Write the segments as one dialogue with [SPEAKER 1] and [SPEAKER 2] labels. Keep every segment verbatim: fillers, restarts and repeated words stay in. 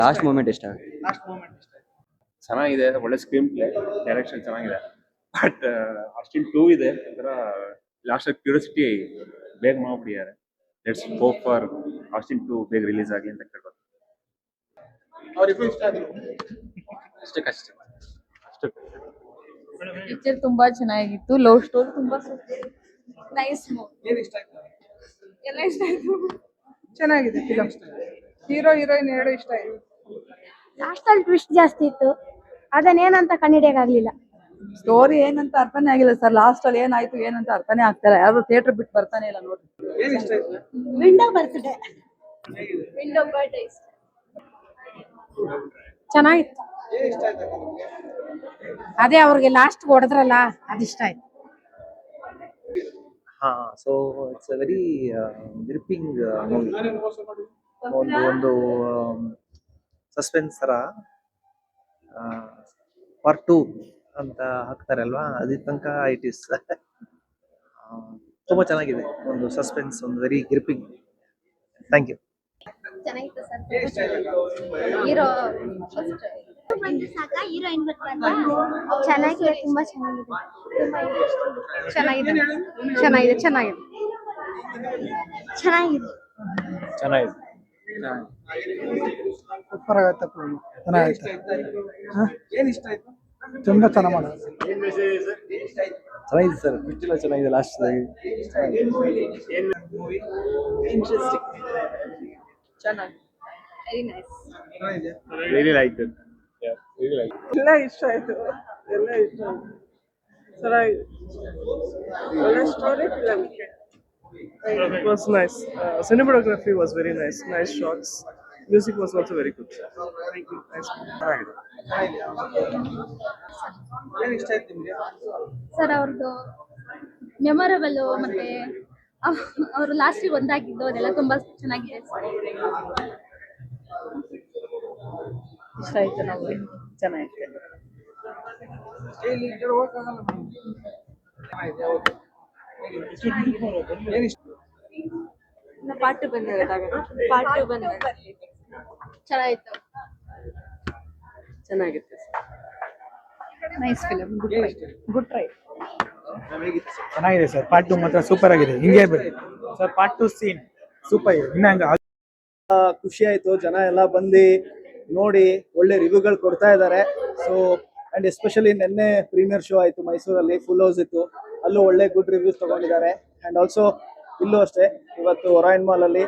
[SPEAKER 1] Last moment ಇಷ್ಟ
[SPEAKER 2] last moment ಇಷ್ಟ
[SPEAKER 3] ಚೆನ್ನಾಗಿದೆ, ಒಳ್ಳೆ ಸ್ಕ್ರೀನ್ ಪ್ಲೇ, ಡೈರೆಕ್ಷನ್ ಚೆನ್ನಾಗಿದೆ. ಬಟ್ ಅಷ್ಟಿನ್ ಟೂ ಇದೆ ಒಂಥರ ಲಾಸ್ಟ್ ಕ್ಯೂರಿಯಾಸಿಟಿ ಬೇಗ ಮಾಡ್ಬಿಟ್ಟಿದ್ದಾರೆ. ಲೆಟ್ಸ್ ಹೋಪ್ ಫಾರ್ ಅಷ್ಟಿನ್ ಟೂ ಬೇಗ ರಿಲೀಸ್ ಆಗಲಿ ಅಂತ ಕೇಳ್ಬೋದು.
[SPEAKER 2] ಅವ್ರಿಗೂ ಇಷ್ಟ ಆದ್ರು
[SPEAKER 3] ಅಷ್ಟಕ್ಕಷ್ಟೇ ಅಷ್ಟಕ್ಕೆ
[SPEAKER 4] ಪಿಕ್ಚರ್ ತುಂಬಾ ಚೆನ್ನಾಗಿತ್ತು. ಲವ್ ಸ್ಟೋರಿ ತುಂಬಾ ನೈಸ್ ಮೂವಿ.
[SPEAKER 2] ಏನ್ ಇಷ್ಟ ಆಯ್ತು?
[SPEAKER 4] ಎಲ್ಲ ಇಷ್ಟ ಆಯ್ತು.
[SPEAKER 2] ಚೆನ್ನಾಗಿದೆ ಫಿಲಂ. ಹೀರೋ ಹೀರೋಯಿನ್ ಎರಡು ಇಷ್ಟ ಆಯ್ತು.
[SPEAKER 5] ಲಾಸ್ಟ್ ಅಲ್ಲಿ ಟ್ವಿಸ್ಟ್ ಜಾಸ್ತಿ ಇತ್ತು, ಅದನ್ನೇನಂತ ಕಂಡಿಡಿಯಕ್ಕಾಗ್ಲಿಲ್ಲ.
[SPEAKER 6] ಸ್ಟೋರಿ ಏನಂತ ಅರ್ಥನೇ ಆಗಿಲ್ಲ ಸರ್. ಲಾಸ್ಟ್ ಅಲ್ಲಿ ಏನಾಯ್ತು ಏನಂತ ಅರ್ಥನೇ ಆಗ್ತಾರ. ಯಾರು ಥಿಯೇಟರ್ ಬಿಟ್ಟು ಬರ್ತಾನೆ ಇಲ್ಲ ನೋಡಿ.
[SPEAKER 2] ಏನ್ ಇಷ್ಟ ಆಯ್ತು?
[SPEAKER 5] ವಿಂಡೋ ಬರ್ತಿದೆ.
[SPEAKER 4] ವಿಂಡೋ ಬರ್ಡೇ
[SPEAKER 5] ಚೆನ್ನಾಗಿತ್ತು.
[SPEAKER 2] ಏನ್ ಇಷ್ಟ ಆಯ್ತು ನಿಮ್ಗೆ?
[SPEAKER 5] ಅದೇ ಅವ್ರಿಗೆ ಲಾಸ್ಟ್ ಹೊಡೆದ್ರಲ್ಲ ಅದಿಷ್ಟ ಆಯ್ತು.
[SPEAKER 7] ಹಾ, so it's a very gripping movie. ಒಂದು ಒಂದು ಸಸ್ಪೆನ್ಸ್ ತರ ಪಾರ್ಟ್ ಟೂ ಅಂತ ಹಾಕ್ತಾರೆ ಅಲ್ವಾ, ಅದ್ರ ತನಕ ಇಟ್ ಇಸ್ ತುಂಬಾ ಚೆನ್ನಾಗಿದೆ. ಒಂದು ಸಸ್ಪೆನ್ಸ್, ಒಂದು ವೆರಿ ಗ್ರಿಪ್ಪಿಂಗ್. Thank you.
[SPEAKER 5] ಚೆನ್ನಾಗಿತ್ತು ಸರ್.
[SPEAKER 2] ಏನ್ ಇಷ್ಟ ಆಯ್ತು?
[SPEAKER 5] ಹೀರೋ
[SPEAKER 8] ಬಂದ್ರೆ ಸಾಕ, ಹೀರೋಯಿನ್ ಬರ್ತಾರಲ್ಲ
[SPEAKER 5] ಚೆನ್ನಾಗಿದೆ, ತುಂಬಾ ಚೆನ್ನಾಗಿದೆ.
[SPEAKER 4] ಚೆನ್ನಾಗಿದೆ ಚೆನ್ನಾಗಿದೆ ಚೆನ್ನಾಗಿದೆ
[SPEAKER 5] ಚೆನ್ನಾಗಿದೆ.
[SPEAKER 7] ಚೆನ್ನಾಗಿದೆ.
[SPEAKER 9] ಸೂಪರ್ ಆಗತ್ತೆ ಫಿಲ್ಮ್. ಚೆನ್ನಾಗೈತೆ.
[SPEAKER 2] ಏನ್ ಇಷ್ಟ ಆಯ್ತು?
[SPEAKER 9] ತುಂಬಾ ಚೆನ್ನಾಗಿ ಮಾಡೋದು.
[SPEAKER 7] ಚೆನ್ನಾಗಿದೆ ಸರ್. ಬಿಟ್ಟಿಲ್ಲ, ಚೆನ್ನಾಗಿದೆ ಲಾಸ್ಟ್.
[SPEAKER 6] ಇಂಟ್ರೆಸ್ಟಿಂಗ್, ಚೆನ್ನಾಗಿ.
[SPEAKER 4] Very nice.
[SPEAKER 2] ಚೆನ್ನಾಗಿದೆ.
[SPEAKER 3] Really like it. Yeah, really like.
[SPEAKER 6] ಎಲ್ಲ ಇಷ್ಟ ಆಯ್ತು, ಎಲ್ಲ ಇಷ್ಟ ಆಯ್ತು. ಚೆನ್ನಾಗಿದೆ, ಒಳ್ಳೆ story film.
[SPEAKER 10] It was nice. Uh, cinematography was very nice. Nice shots. Music was also very good. Thank you. Nice.
[SPEAKER 2] ಏನ್ ಇಷ್ಟ ಆಯ್ತು ನಿಮ್ಗೆ?
[SPEAKER 4] ಸರ್ ಅವ್ರದ್ದು ಮೆಮೊರಬಲ್ ಮತ್ತೆ ಅವರು ಲಾಸ್ಟಿಗೆ ಒಂದಾಗಿದ್ದು ಅದೆಲ್ಲ ತುಂಬಾ ಚೆನ್ನಾಗಿದೆ ಸರ್.
[SPEAKER 6] ಇಷ್ಟ ಆಯ್ತು ನಮಗೆ, ಚೆನ್ನಾಗಿತ್ತು.
[SPEAKER 2] ಇಲ್ಲಿ ಈ ಕಡೆ ಹೋಗಕ್ಕಾಗಲ್ಲ ಮೇಡಮ್. ಚೆನ್ನಾಗಿದೆ, ಹೌದು. ಏನ್ ಇಷ್ಟ?
[SPEAKER 6] ಪಾರ್ಟ್ ಬಂದಿದೆ, ಪಾರ್ಟ್ ಬಂದಿದೆ.
[SPEAKER 4] ಚೆನ್ನಾಗಿತ್ತು.
[SPEAKER 6] ಚೆನ್ನಾಗಿತ್ತು.
[SPEAKER 4] Nice film. ಗುಡ್
[SPEAKER 2] ಏನ್
[SPEAKER 4] ಟ್ರೈ
[SPEAKER 2] ಇಷ್ಟ ಆಯ್ತು?
[SPEAKER 4] Good try.
[SPEAKER 2] ಹೇಗಿತ್ತು?
[SPEAKER 9] ಚೆನ್ನಾಗಿದೆ ಸರ್. ಪಾರ್ಟ್ ಟು ಮಾತ್ರ ಸೂಪರ್ ಆಗಿದೆ. ಹಿಂಗೆ ಬನ್ನಿ sir. Part two scene super ಇದೆ. ಇನ್ನ ಹಂಗ
[SPEAKER 11] ಖುಷಿ ಆಯ್ತು. ಜನ ಎಲ್ಲ ಬಂದು ನೋಡಿ ಒಳ್ಳೆ ರಿವ್ಯೂಗಳು ಕೊಡ್ತಾ ಇದ್ದಾರೆ. ಸೊ ಅಂಡ್ ಎಸ್ಪೆಷಲಿ ನಿನ್ನೆ ಪ್ರೀಮಿಯರ್ ಶೋ ಆಯ್ತು ಮೈಸೂರಲ್ಲಿ, ಫುಲ್ ಹೌಸ್ ಇತ್ತು. ಅಲ್ಲೂ ಒಳ್ಳೆ ಗುಡ್ ರಿವ್ಯೂಸ್ ತಗೊಂಡಿದ್ದಾರೆ. ಅಂಡ್ ಆಲ್ಸೋ ಇಲ್ಲೂ ಅಷ್ಟೇ, ಇವತ್ತು ಒರಾಯನ್ ಮಾಲ್ ಅಲ್ಲಿ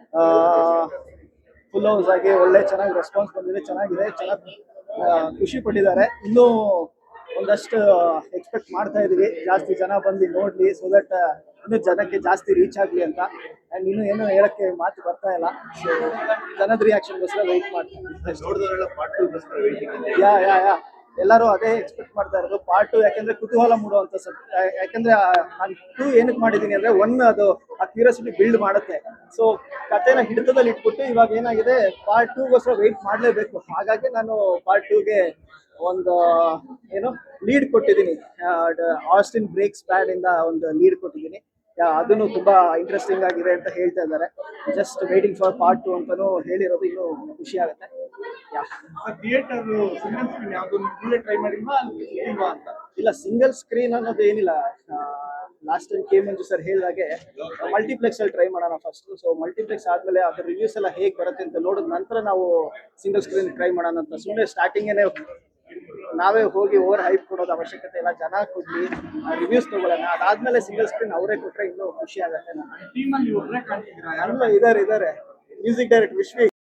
[SPEAKER 11] ಫುಲ್ ಹೌಸ್ ಆಗಿ ಒಳ್ಳೆ ಚೆನ್ನಾಗಿ ರೆಸ್ಪಾನ್ಸ್ ಬಂದಿದೆ. ಚೆನ್ನಾಗಿದೆ, ಚೆನ್ನಾಗಿ ಖುಷಿ ಪಟ್ಟಿದ್ದಾರೆ. ಇನ್ನೂ ಒಂದಷ್ಟು ಎಕ್ಸ್ಪೆಕ್ಟ್ ಮಾಡ್ತಾ ಇದೀವಿ, ಜಾಸ್ತಿ ಜನ ಬಂದು ನೋಡ್ಲಿ, ಸೊ ದಟ್ ಇನ್ನೂ ಜನಕ್ಕೆ ಜಾಸ್ತಿ ರೀಚ್ ಆಗಲಿ ಅಂತ. ಅಂಡ್ ಇನ್ನೂ ಏನು ಹೇಳಕ್ಕೆ ಮಾತು ಬರ್ತಾ ಇಲ್ಲ. ಸೊ ಜನದ ರಿಯಾಕ್ಷನ್ಗೋಸ್ಕರ ವೆಯ್ಟ್ ಮಾಡ್ತಾರೆ. ಯಾ ಯಾ ಯಾ ಎಲ್ಲರೂ ಅದೇ ಎಕ್ಸ್ಪೆಕ್ಟ್ ಮಾಡ್ತಾ ಇರೋದು, ಪಾರ್ಟ್ ಟು. ಯಾಕೆಂದ್ರೆ ಕುತೂಹಲ ಮೂಡುವಂತ ಸಬ್. ಯಾಕೆಂದ್ರೆ ನಾನು ಟೂ ಏನಕ್ಕೆ ಮಾಡಿದ್ದೀನಿ ಅಂದ್ರೆ, ಒನ್ ಅದು ಆ ಕ್ಯೂರಿಯಾಸಿಟಿ ಬಿಲ್ಡ್ ಮಾಡುತ್ತೆ. ಸೊ ಕಥೆನ ಹಿಡಿತದಲ್ಲಿ ಇಟ್ಬಿಟ್ಟು ಇವಾಗ ಏನಾಗಿದೆ, ಪಾರ್ಟ್ ಟೂಗೋಸ್ಕರ ವೆಯ್ಟ್ ಮಾಡಲೇಬೇಕು. ಹಾಗಾಗಿ ನಾನು ಪಾರ್ಟ್ ಟೂಗೆ ಒಂದು ಏನು ಲೀಡ್ ಕೊಟ್ಟಿದ್ದೀನಿ. ಆಸ್ಟಿನ್ ಬ್ರೇಕ್ಸ್ ಬ್ಯಾಡ್ ಇಂದ ಒಂದು ಲೀಡ್ ಕೊಟ್ಟಿದ್ದೀನಿ. ಅದನ್ನು ತುಂಬಾ ಇಂಟ್ರೆಸ್ಟಿಂಗ್ ಆಗಿದೆ ಅಂತ ಹೇಳ್ತಾ ಇದ್ದಾರೆ. Just waiting for part two ಅಂತಾನು ಹೇಳಿರೋದು. ಇನ್ನೂ ಖುಷಿ ಆಗುತ್ತೆ.
[SPEAKER 2] ಥಿಯೇಟರ್ ಸಿಂಗಲ್ ಸ್ಕ್ರೀನ್ ಯಾವ್ದು ನೀವೇ ಟ್ರೈ ಮಾಡಿಲ್ವಾ ಇಲ್ವಾ ಅಂತ?
[SPEAKER 11] ಇಲ್ಲ, ಸಿಂಗಲ್ ಸ್ಕ್ರೀನ್ ಅನ್ನೋದು ಏನಿಲ್ಲ. Last time K Manju sir ಹೇಳಿದಾಗೆ ಮಲ್ಟಿಪ್ಲೆಕ್ಸ್ ಅಲ್ಲಿ ಟ್ರೈ ಮಾಡೋಣ ಫಸ್ಟ್. ಸೊ ಮಲ್ಟಿಪ್ಲೆಕ್ಸ್ ಆದ್ಮೇಲೆ ಅದ್ರ ರಿವ್ಯೂಸ್ ಎಲ್ಲ ಹೇಗೆ ಬರುತ್ತೆ ಅಂತ ನೋಡಿದ ನಂತರ ನಾವು ಸಿಂಗಲ್ ಸ್ಕ್ರೀನ್ ಟ್ರೈ ಮಾಡೋಣ ಅಂತ. ಸುಮ್ಮನೆ ಸ್ಟಾರ್ಟಿಂಗೇನೆ ನಾವೇ ಹೋಗಿ ಓವರ್ ಹೈಪ್ ಕೊಡೋದು ಅವಶ್ಯಕತೆ ಇಲ್ಲ. ಜನ ಕೊಡ್ಲಿ, ರಿವ್ಯೂಸ್ ತಗೊಳ್ಳೋಣ. ಅದಾದ್ಮೇಲೆ ಸಿಂಗಲ್ ಸ್ಕ್ರೀನ್ ಅವರೇ ಕೊಟ್ರೆ ಇನ್ನೂ ಖುಷಿ ಆಗುತ್ತೆ.
[SPEAKER 2] ಟೀಮಲ್ಲಿ ಒಬ್ಬರೇ ಕಾಣ್ತಿದ್ದೀರಾ?
[SPEAKER 11] ಯಾರೆಲ್ಲ ಇದಾರೆ ಇದಾರೆ ಮ್ಯೂಸಿಕ್ ಡೈರೆಕ್ಟರ್ ವಿಶ್ವಿ